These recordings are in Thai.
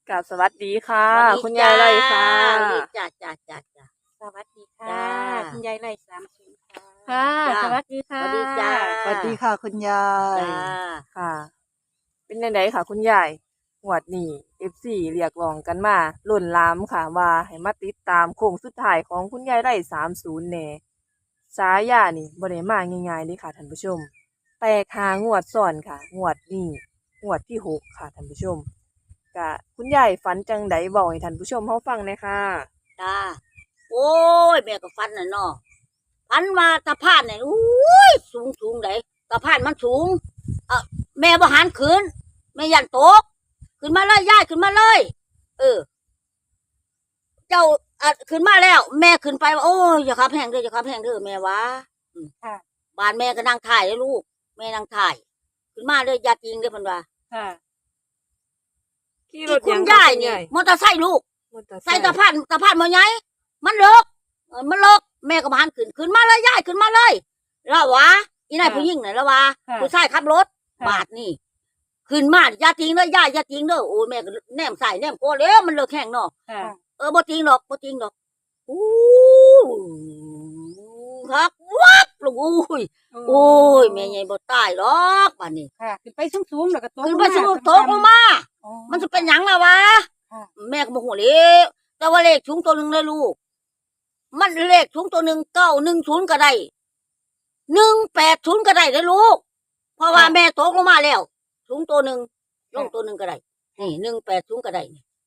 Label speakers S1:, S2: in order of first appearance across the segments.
S1: กับสวัสดีค่ะ
S2: สวัสดี
S1: คุณยายไรค่ะ
S2: จ้า
S3: สวัสดีค่ะ
S2: จ้า
S3: คุณยายไร่30ค่ะ
S1: ค่ะ
S2: จ้า
S1: สวัสดี
S2: ส
S1: ค่ะ
S2: วัสดีจ้า
S4: สวัสดีค่ะคุณยาย
S2: จ้า
S1: ค่ะ เป็นยังไงค่ะคุณยายหวดนี้FCเรียกร้องกันมาล้นหลามค่ะว่าให้มาติดตามโค้งสุดท้ายของคุณยายไร่30แหน่ฉายานี่บ่ได้มาง่ายๆเลยค่ะท่านผู้ชมแตกหางวดซ้อนค่ะงวดนี้งวดที่6ค่ะท่านผู้ชมก็คุณยายฝันจังใดบอกให้ท่านผู้ชมเฮาฟังหน่อยค่ะ
S2: จ้าโอ้ยแม่ก็ฟันน่ะเนาะฟันมาตะพานเนี่ยอุ้ยสูงเลยตะพานมันสูงแม่บ่หันขึ้นแม่ยันตกขึ้นมาเลยย่ายขึ้นมาเลยเออเจ้าขึ้นมาแล้ว แม่ขึ้นไปว่าโอ้ยอย่าขับแห้งเด้ออย่าขับแห้งเด้อแม่วะ
S3: ค่ะ
S2: บ้านแม่ก็นั่งถ่ายเลยลูกแม่นั่งถ่ายขึ้นมาเลยอย่าจริงเด้อเพิ่นว่า
S3: ค่ะ
S1: ขี่ร
S2: ที่
S1: ถ
S2: คุ
S1: ยั
S2: ณ
S1: ง
S2: ยาย
S1: คุณ
S2: นี่
S1: ยาย
S2: มอเตอร์ไซค์ลูก
S1: มอเตอร์ไซ
S2: ใส่
S1: ค์
S2: ตะพานมาไงมันเลิกมันเลิกแม่ก็มาหันขึ้นมาเลยยายขึ้นมาเลยแล้ววะอีนายผู้หญิงไหนแล้ววะผู้ชายขับรถบาทนี่ขึ้นมาอย่าจริงเด้อย่าจริงเด้อโอ้แม่ก็แนมใส่แนมก็แล้วมันเลิกแข่งเนาะ
S3: ค่ะ
S2: บ่จริงหรอกอู้ครับวับลูกโอ้ยแม่ใหญ่บ่ตายหรอกบาดนี้
S3: ค่ะขึ้นไปสูงๆแล้วก็ตก
S2: ขึ้นไปสูงตกลงมามันจะเป็นหยังล่ะวะแม่ก็บ่ฮู้เลยแต่ว่าเลขสูงตัวนึงเลยลูกมันเลขสูงตัวนึง910ก็ได้180ก็ได้เด้อลูกเพราะว่าแม่ตกลงมาแล้วสูงตัวนึงลงตัวนึงก็ได้นี่180ก็ได้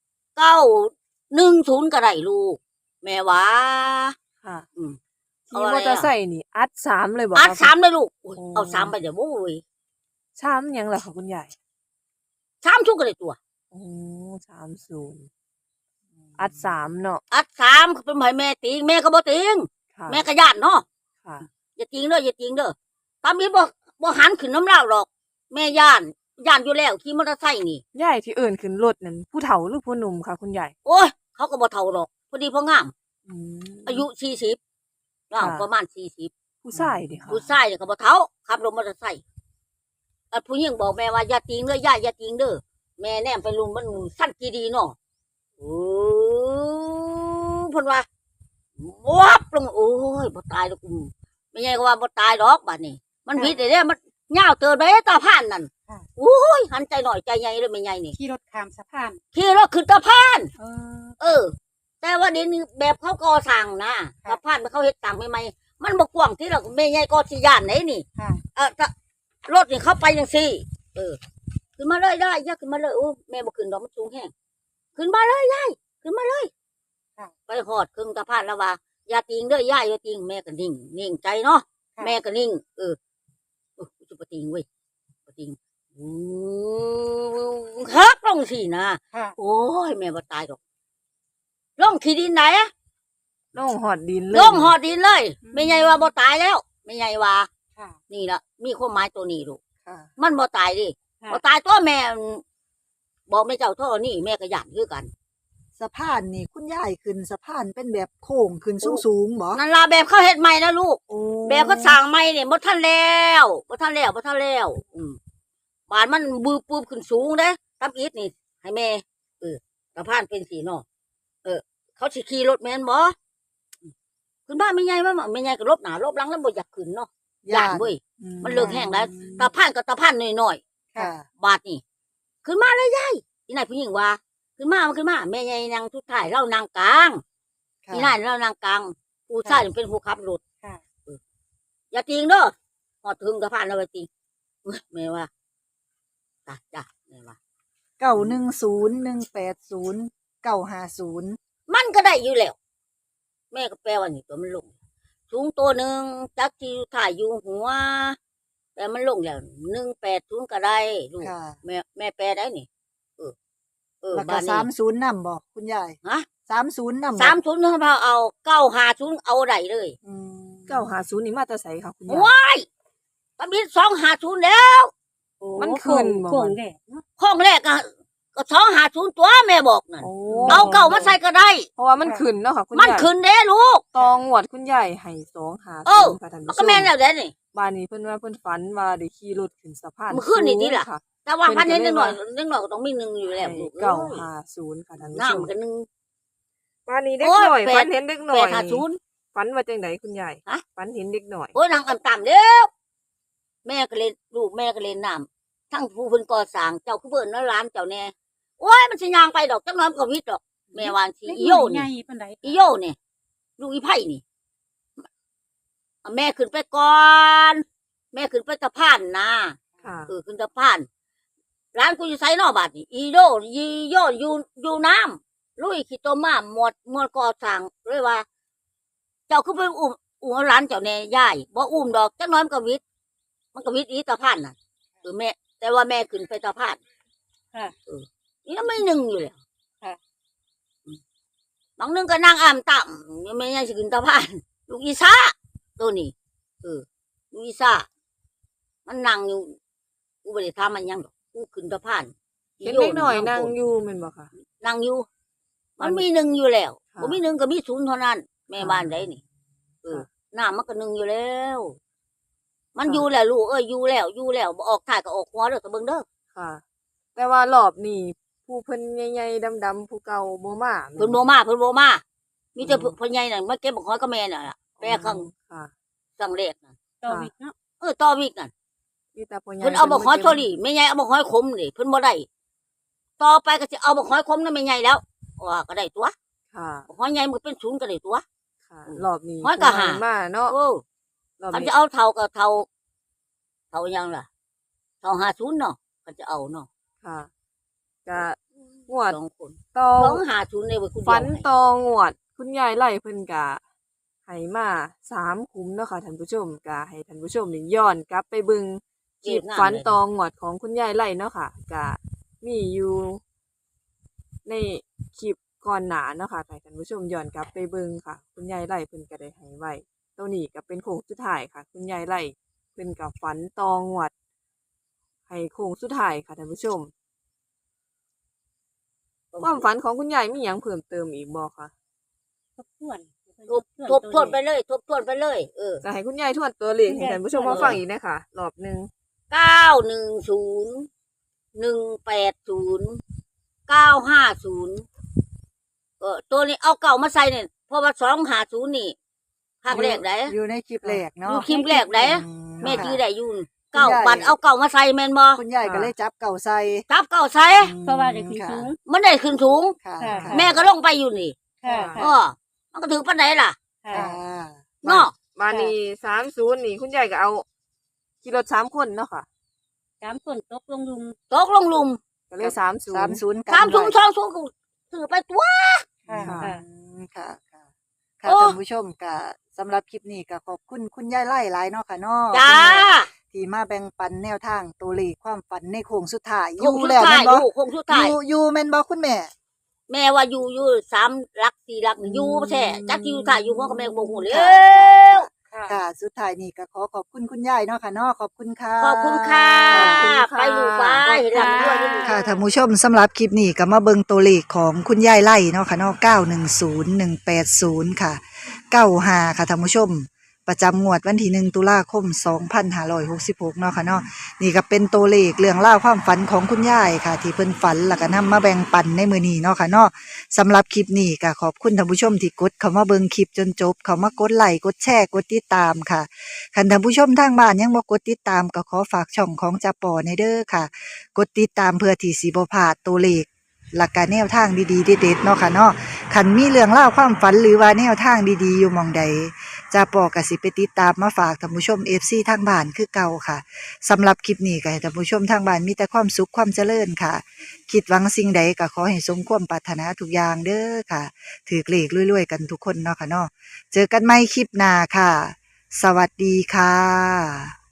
S2: 910ก็ได้ลูกแม่ว่า
S1: ค่ะ
S2: อืม
S1: ขี่มอเตอร์ไซค์นี่อัด3เลยบ่
S2: อัด
S1: คะ
S2: 3เลยลูกอุ๊ย
S1: โอ้
S2: เอา3ไปเดี๋ยวโว้ย
S1: ช้ำหยังล่ะค่ะคุณยาย
S2: 3ชุกก็ได้ตัว
S1: โอ้30อัด3เนาะ
S2: อัด3เป็นให้แม่ติงแม่ก็บ่ติง
S1: ค่ะ
S2: แม่ก็ย่านเนาะ
S1: ค่ะ
S2: อย่าติงเด้ออย่าติงเด้อตามนี้บ่หันขึ้นน้ำเหล้าหรอก แม่ย่านอยู่แล้วขี่มอเตอร์ไซค์นี่
S1: ยายที่เอิ้นขึ้นรถนั่นผู้เฒ่าหรือผู้หนุ่มค่ะคุณยาย
S2: โอ้ยเขาก็บ่เฒ่าหรอกพอดีพองาม
S1: อืม
S2: อายุ40อ้าว
S1: ค่ะ
S2: ประมาณ40
S1: ผู้ชายเด้ค่ะ
S2: ผู้ชายเนี่ยก็บ่เฒ่าขับรถมอเตอร์ไซค์ผู้หญิงบอกแม่ว่าอย่าติงเด้อย่าติงเด้อแม่แนมไปลุมมันสั้นกี่ดีเนาะโอ้เพิ่นว่าวับลงโอ้ยบ่ตายดอกไม่ใช่ก็ว่าบ่ตายดอกบัดนี้ มันผิดเด้มันยาวเติบไปตาพานนั่นโอ้ยหันใจหน่อยใจใหญ่เลยไม่ใหญ่นี่
S3: ขี่รถข้ามสะพาน
S2: ขี่รถขึ้นตาพาน
S3: เออ
S2: เออ แต่ว่าเดี๋ยวนี้แบบเขาก่อสร้างนะตาพานเขาเฮ็ดต่างใหม่ๆมันบ่กว้างที่เราแม่ใหญ่ก็สิย่านไหนนี่
S3: ค่ะ
S2: ถ้ารถนี่เข้าไปจังซี่เออขึ้นมาเลยได้ย่าขึ้นมาเลยโอ้แม่บ่ขึ้นดอกมันสูงแฮงขึ้นมาเลยยายขึ้นมาเลยไปฮอดครึ่งตาพานแล้วว่าอย่าติงเด้อย่าอย่าติงแม่ก็นิ่งใจเนาะแม่ก็นิ่งจะบ่ติงเว้ยบ่ติงครับลงสินะ
S3: ค่ะ
S2: โอ้ยแม่บ่ตายดอกลงขี้ดินไหน
S1: ลงหอดดินเลย
S2: ลงหอดดินเลยไม่ใหญ่ว่าบ่ตายแล้วไม่ใหญ่ว่า
S3: ค่ะ
S2: นี่ละมีความหมายตัวนี้ลูก
S1: ค่ะ
S2: มันบ่ตายดิ
S3: ค่ะ
S2: บ่ตายตัวแม่บอกแม่เจ้าท่อนี่แม่ก็ย่านคือกัน
S4: สะพานนี่คุณยายขึ้นสะพานเป็นแบบโค้งขึ้นสูงๆบ่
S2: นั่นล่ะแบบเขาเฮ็ดใหม่นะลูก
S4: โอ้
S2: แบบเขาสร้างใหม่นี่บ่ทันแล้วบ้านมันบืบปืบขึ้นสูงเด้ตับอีทนี่ให้แม่สะพานเป็นสีเนาะเขาสิขี่รถแม่นบ่ขึ้นบ้านไม่ใหญ่ว่าไม่ใหญ่ก็ลบหน้าลบหลังแล้วบ่อยากขึ้นเนาะย่านเว้ย มันเลิกแห้งแล้วตาพานก็ตาพานน้อย
S4: ค่ะ
S2: ๆบาดนี่ขึ้นมาเลยยายอีนายผู้หญิงว่าขึ้นมาแม่ใหญ่นางทุกท่ายเรานางกลาง
S4: ค่ะ
S2: อีนายเรานางกลางผู้ชายเป็นผู้ขับรถ
S3: ค่ะ
S2: อย่าติงเด้อหอดถึงตาพานเราไปติงแม่ว่าจ้ะแม่ว่า
S4: 910 180 950
S2: มันก็ได้อยู่แล้วแม่ก็แปลว่านี่ตัวมันลงสูงตัวหนึ่งจักที่ถ่ายอยู่หัว แต่มันลงแล้ว180ก็ได้ลูก
S4: ค่ะ
S2: แม่แปลได้นี่
S4: แล้วก็
S2: บ้านนี้
S4: 30นำบ่คุณยาย
S2: ฮะ
S4: 30นำบ่
S2: 30เขาเอา950เอาได้เลย
S4: อืม
S1: 950นี่มาแต่ไสค่ะคุณยาย
S2: ว้ายตอนนี้250แล้ว
S1: มันขึ้นบ่
S3: โค้งแดดเนาะ
S2: ข้องแรกก็250ตัวแม่บอกนั่น
S1: โอ้
S2: เอาเก่ามาใส่ก็ได้
S1: เพราะว่ามันขึ้นเนาะค่ะคุณยาย
S2: มันขึ้นเด้ลูก
S1: ตองหวดคุณยายให้250
S2: เออ
S1: ค่ะท่าน
S2: มัน
S1: ผู้ช
S2: ก็
S1: ม
S2: แม่นแล้วเด้นี่
S1: บ้านนี้เพิ่นว่าเพิ่นฝันว่าได้ขี่รถขึ้นสะพาน
S2: มันขึ้นนี่ติล่ะ
S1: สูงค่
S2: แต่ว่าพันเห็นนิดหน่อยก็ต้องมีหนึ่งอยู่แล้วลูก
S1: เก้าห้าศูนย์ค่ะท่านผู้ชม
S2: น้ำกันหนึ่ง
S1: บ้านนี้เด็ก
S2: โอ้ย
S1: หน่อย
S2: แปด
S1: ฝันเห็นเด็กหน่อย
S2: 850
S1: ฝันว่าจังไดคุณยาย
S2: ฮะ
S1: ฝันเห็นเด็กหน่อย
S2: โอ้ยนางต่ำๆเด้อแม่ก็เล่นลูกแม่ก็เล่นน้ำทั้งผู้เพิ่นก่อสร้างเจ้าคือเบิ่นน้ร้านเจ้าแน่โอ้ยมันสิย่างไปดอกจักหน้อยมันก็วิทย์ดอกแม่วาจังสิ
S3: เล็ก
S2: อี
S3: น้
S2: โย
S3: อยให
S2: นี่
S3: ญ่ปานใด
S2: อีโยนี่ลูกอีไผ่นี่เอาแม่ขึ้นไปก่อน แม่ขึ้นไปสะพานนะ
S1: ค่ะ
S2: ขึ้นสะพานร้านกูอยู่ไสนอกบาดนี่อีโยอยู่น้ำลุยขี้ต้มมาหมดก่อสร้างเลยว่า เจ้าคือไปอุ้มเอาร้านเจ้าแน่ยายบ่อุ้มดอกจักหน้อยมันก็วิทย์อีสะพานน่ะแม่ แต่ว่าแม่ขึ้นไปสะพาน
S3: ค่ะ
S2: นี่ก็ไม่หนึ่งอยู่เลย
S3: ค่ะ
S2: บางนึงก็นั่งอ่ำต่ำยังไม่ยังสิขึ้นสะพานลูกอีซ่าตัวนี้ลูกอีซ่ามันนั่งอยู่กูไม่ได้ทำมันยังดอกกูขึ้นสะพาน
S1: เห็นเด็กหน่อยนั่งอยู่แม่นบ่ค่ะ
S2: นั่งอยู่ มันมีหนึ่งอยู่แล้ว
S1: ค่ะ
S2: บ่มีหนึ่งก็มีศูนย์เท่านั้น แม่บ้านได้นี่น้ำมันก็หนึ่งอยู่แล้ว มันอยู่แล้วลูกอยู่แล้วบ่ออกถ่ายก็ออกหัวเด้อตะเบิ่งเด้อ
S1: ค่ะ แต่ว่ารอบนี้ผู้เพิ่นใหญ่ๆดำๆผู้เก่าบ่มาแม่
S2: เพิ่นบ่มามีแต่พ่อใหญ่น่ะมาเก็บบักหอยกับแม่น่ะล่ะแปรข้าง
S1: ค่ะ
S2: สังเลขน่ะ
S3: ต่อวิกเนาะ
S2: ต่อวิกน่ะ
S1: มีแต่พ่อใหญ่
S2: เพิ่นเอาบักหอยโทลี่แม่ใหญ่เอาบักหอยขมนี่เพิ่นบ่ได้ต่อไปก็สิเอาบักหอยขมนั่นแม่ใหญ่แล้วว่าก็ได้ตัว
S1: ค่ะ
S2: บักหอยใหญ่มันก็เป็นศูนย์ก็ได้ตัว
S1: ค่ะ รอบนี้
S2: หอยก็หา
S1: เพิ่นมาเนาะ
S2: โอ้
S1: รอบ
S2: คัน
S1: นี้
S2: จะเอาเท่าก็เท่ายังล่ะเท่า50เนาะก็จะเอาเนาะ
S1: ค่ะก็งวด
S2: สองคน
S1: ต่อ
S2: 250เลยเว้ยคุณ
S1: ฝันตองวด คุณยายไล่เพิ่นกะให้มา3คุ้มเนาะค่ะท่านผู้ชมกะให้ท่านผู้ชมนี่ย้อนกลับไปเบิ่งคลิปฝันตองวดของคุณยายไล่เนาะค่ะกะมีอยู่ในคลิปก่อนหน้าเนาะค่ะให้ท่านผู้ชมย้อนกลับไปเบิ่งค่ะ คุณยายไล่เพิ่นก็ได้ให้ไว้ตัวนี้ก็เป็นโค้งสุดท้ายค่ะ คุณยายไล่เพิ่นก็ฝันตองวดให้โค้งสุดท้ายค่ะท่านผู้ชม ความฝันของคุณยายมีหยังเพิ่มเติมอีกบ่คะ
S3: ทบทวน
S2: ทบทวนไปเลย
S1: จะให้คุณยายทวนตัวเลขให้ท่านผู้ชมมาฟังอีกนะคะรอบหนึง
S2: 910 180 950ตัวนี้เอาเก่ามาใส่เนี่ยเพราะว่า250นี่ภาคแรกได้
S4: อยู่ในคลิปแรก
S2: อ
S4: เนาะ
S2: ยู่คลิปแรกได้
S4: อื
S2: แม่จื้อ
S4: ค่ะ
S2: ได้อยู่เก่าบัดเอาเก่ามาใส่แม่นบ่
S4: คุณยายก็เลยจับเก่าใส่
S2: จับเก่าใส่
S3: เพราะว่าได้ขึ้นสูง
S2: มันได้ขึ้นสูง
S4: ค่ะ
S3: ค่ะ
S4: ค่ะ
S2: แม่ก็ลงไปอยู่นี่
S3: ค่ะ
S2: เออมันก็ถึงปานไหนล่ะ
S3: ค่ะ
S4: ค่ะ
S2: เนาะ
S1: บานี้30นี่คุณยายก็เอาขี่รถ3คนเนาะค่ะ
S3: 3คนตกลงลุม
S2: ตกลงหลุม
S1: ก็เลย30
S4: 30กัน
S2: 3ถุง
S4: ไว้
S2: 2ถุงก็ถือไปตัว
S3: ค่ะ
S1: ค่ะ
S3: ค่ะ
S4: ค่ะค่ะค่ะ
S2: โอ้
S4: ท่านผู้ชมก็สำหรับคลิปนี้ก็ขอบคุณคุณยายไล่หลายเนาะค่ะเนาะ
S2: จ้า
S4: ที่มาแบ่งปันแนวทางตัวเลขความฝันในโค้งสุดท้าย
S2: คงสุด
S4: แล้ว
S2: ท้า
S4: แม่
S2: ย
S4: นบ่
S2: อยู่คงสุดท้าย
S4: อยู่แม่นบ่คุณแม่
S2: แม่ว่าอยู่3หลัก4หลักอยู่แท้จักสิอยู่ท้ายอยู่หัวก็แม่บ่ฮู้แล้
S4: ค่ะ
S2: ว
S4: ค่ะ สุดท้ายนี่ก็ขอบคุณคุณยายเนาะค่ะเนาะขอบคุณค่ะ
S2: ขอบคุณค่ะ
S1: ขอบคุณค่ะ
S2: ไปลูกไปเห็นหลังด้วยที่ลูก
S4: ค่ะท่านผู้ชมสำหรับคลิปนี้ก็มาเบิ่งตัวเลขของคุณยายไล่เนาะค่ะเนาะ910180ค่ะ95ค่ะท่านผู้ชม ประจำงวดวันที่1ตุลาคม2566เนาะค่ะเนาะนี่ก็เป็นตัวเลขเรื่องเล่าวความฝันของคุณยายค่ะ ที่เพิ่นฝันแล้วก็นำมาแบ่งปันในมื้อนี้เนาะค่ะเนาะสำหรับคลิปนี้ก็ขอบคุณท่านผู้ชมที่กดเข้ามาเบิ่งคลิปจนจบเข้ามากดไลค์กดแชร์กดติดตามค่ะคันท่านผู้ชมทางบ้านยังบ่กดติดตามก็ขอฝากช่องของจ่าปอในเด้อค่ะ กดติดตามเพื่อที่สิบ่พลาดตัวเลขหลักการแนวทางดีๆเด็ดๆเนาะค่ะเนาะคันมีเรื่องเล่าวความฝันหรือว่าแนวทางดีๆอยู่หม่องใดจ่าปอก็สิไปติดตามมาฝากท่านผู้ชม FC ทางบ้านคือเก่าค่ะสำหรับคลิปนี้ก็ให้ท่านผู้ชมทางบ้านมีแต่ความสุขความเจริญค่ะ คิดหวังสิ่งใดก็ขอให้สมความปรารถนาทุกอย่างเด้อค่ะถือเลขรวยๆกันทุกคนเนาะค่ะเนาะเจอกันใหม่คลิปหน้าค่ะ สวัสดีค่ะ